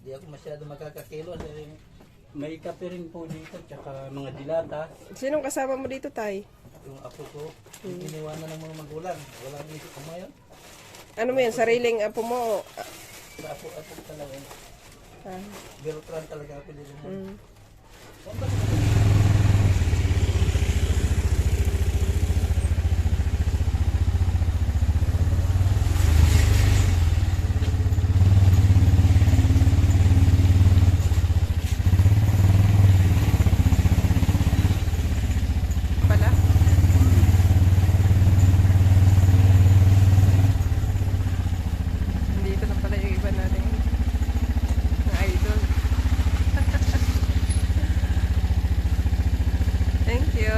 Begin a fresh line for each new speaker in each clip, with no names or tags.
Hindi ako masyado makakakilos. May kape rin po dito, tsaka mga dilata.
Sinong kasama mo dito, Tay?
Yung apo ko, iniwanan ng mga magulang. Wala ang isip ko ngayon.
Ano mo yan? Sariling apo mo?
Sa apo talaga.
Ah.
Bertrand talaga ako dito.
Mm. Pala. Dito na pala yung iba natin. Mga idol. Thank you.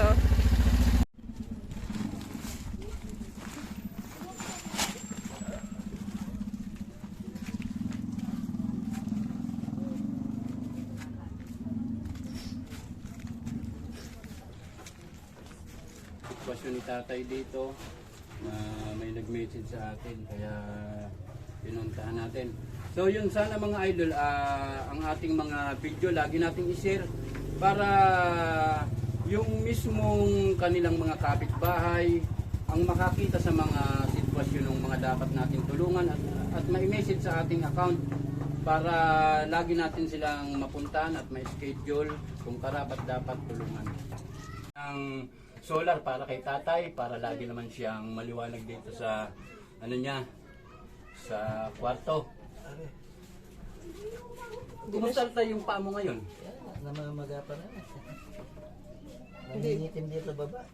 Sitwasyon ni tatay dito na may nag-message sa atin kaya pinuntahan natin. So yun sana mga idol, ang ating mga video lagi nating i-share para yung mismong kanilang mga kapitbahay ang makakita sa mga sitwasyon ng mga dapat natin tulungan at ma-message sa ating account para lagi natin silang mapuntahan at ma-schedule kung karapat dapat tulungan. Ang solar para kay tatay, para lagi naman siyang maliwanag dito sa ano niya, sa kwarto. Kumusta tayo yung paa mo ngayon?
Namamaga pa na. Nangingitim dito baba.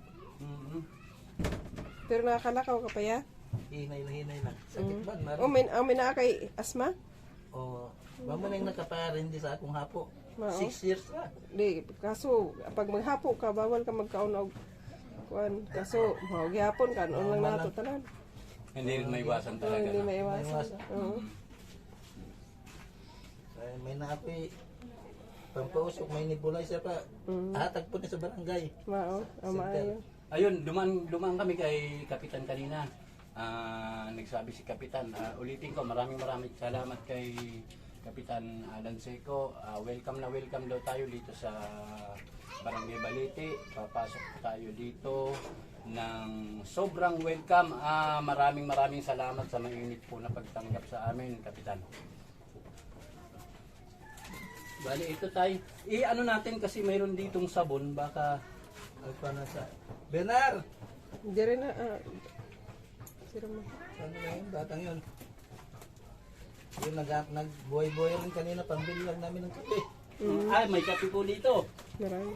Pero nakakalakaw ka pa ya?
Hinay lang. Sakit ba?
Oh, may naa kay asma?
O, mama na yung nakaparin di sa akong hapo.
Mao.
6 years na.
Di, kaso pag maghapo ka, bawal ka magkaon og kuan. Kaso, magyapon ka, noon lang nato tanan.
Hindi rin maiwasan
Oh,
talaga.
hindi
No?
maiwasan. Oo.
Ay, may naapoy. Pampausok, may nebulizer pa. Hatag po na sa barangay.
Mao, maayo.
Ayun, dumaan kami kay Kapitan kanina. Nagsabi si Kapitan, ulitin ko, maraming salamat kay Kapitan Alan Seco. Welcome daw tayo dito sa Barangay Balete. Papasok tayo dito ng sobrang welcome. Maraming salamat sa mainit po na pagtanggap sa amin, Kapitan. Bali, ito tayo. I-ano natin kasi mayroon ditong sabon, baka
Ay, paano sa... Benar!
Hindi rin na, sino mo?
Saan na yun? Batang yun. Yung nag-buhay-buhay rin kanina, pambili lang namin ng kape.
ay, may kape po dito.
Marami.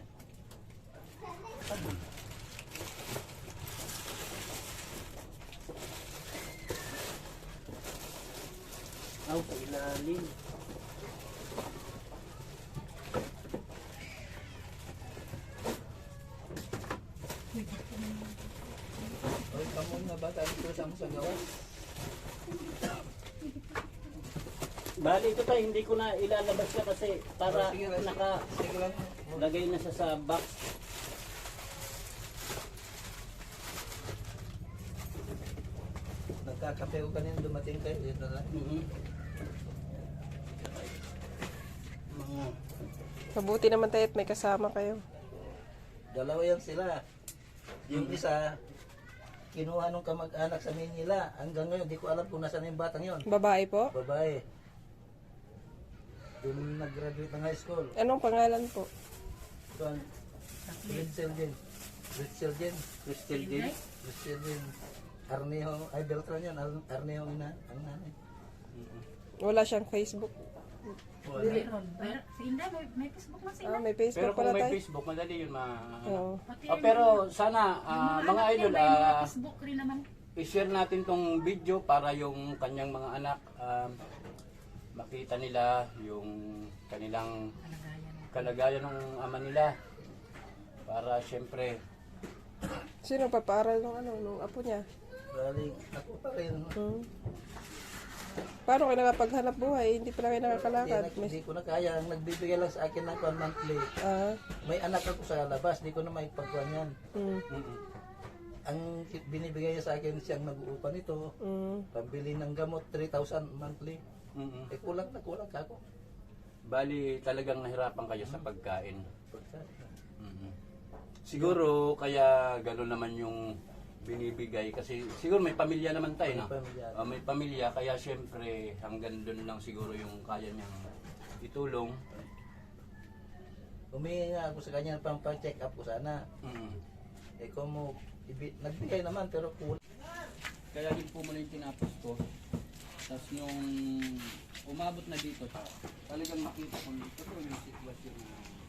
Aw, sa ilalim.
Ay, kamo na ba? Tayo ko sa gawas.
Bali, ito tayo, hindi ko na ilalabas ka kasi para
Sige lang. Sige lang.
nakalagay na siya sa box.
Nagkakape ko kanina dumating kayo. Dito na.
Mga
Mabuti naman tayo at may kasama kayo.
Dalawa yan sila. Yung isa, kinuha nung kamag-anak sa Manila. Hanggang ngayon, di ko alam kung nasaan yung batang yon.
Babae po?
Babae. Yung nag-graduate ng high school.
Anong pangalan po?
Ito ang Ritzel din.
Crystal din.
Arneho, ay Beltran yan. Arneho ang nanay.
Wala siyang Facebook.
Meron. Si Inday, may Facebook na sila.
May
Pero
Facebook
kung
pala
may
tayo.
Facebook, madali yun
Oo.
pero sana, mga idol,
may Facebook rin naman.
i-share natin tong video para yung kanyang mga anak makita nila yung kanilang kalagayan ng ama nila. Para syempre,
Sino papaaral nung apo niya?
Bali, ako pa rin.
Paano kayo nakapaghanap buhay? Hindi pala kayo nakakalakad.
Hindi ko na kaya. Ang nagbibigay lang sa akin ng monthly. May anak ako sa labas. Di ko na maipagkuhan yan. Ang binibigay niya sa akin siyang nag-uupa nito. Pambili ng gamot, 3,000 monthly.
Mm-mm.
Eh kulang na kulang ka ako.
Bali, talagang nahirapan kayo sa pagkain.
Pagka-
Mhm. Siguro kaya gano'n naman yung binibigay kasi siguro may pamilya naman tayo, no?
May pamilya.
May pamilya kaya syempre hanggang doon lang siguro yung kaya niyang itulong.
Humingi nga ako sa kanya pang check up ko sana.
Mhm.
Eh kung mo, nagbigay naman pero kulang.
Kaya din po muna yung tinapos ko. Tapos nung umabot na dito, talagang makita ko ito yung sitwasyon na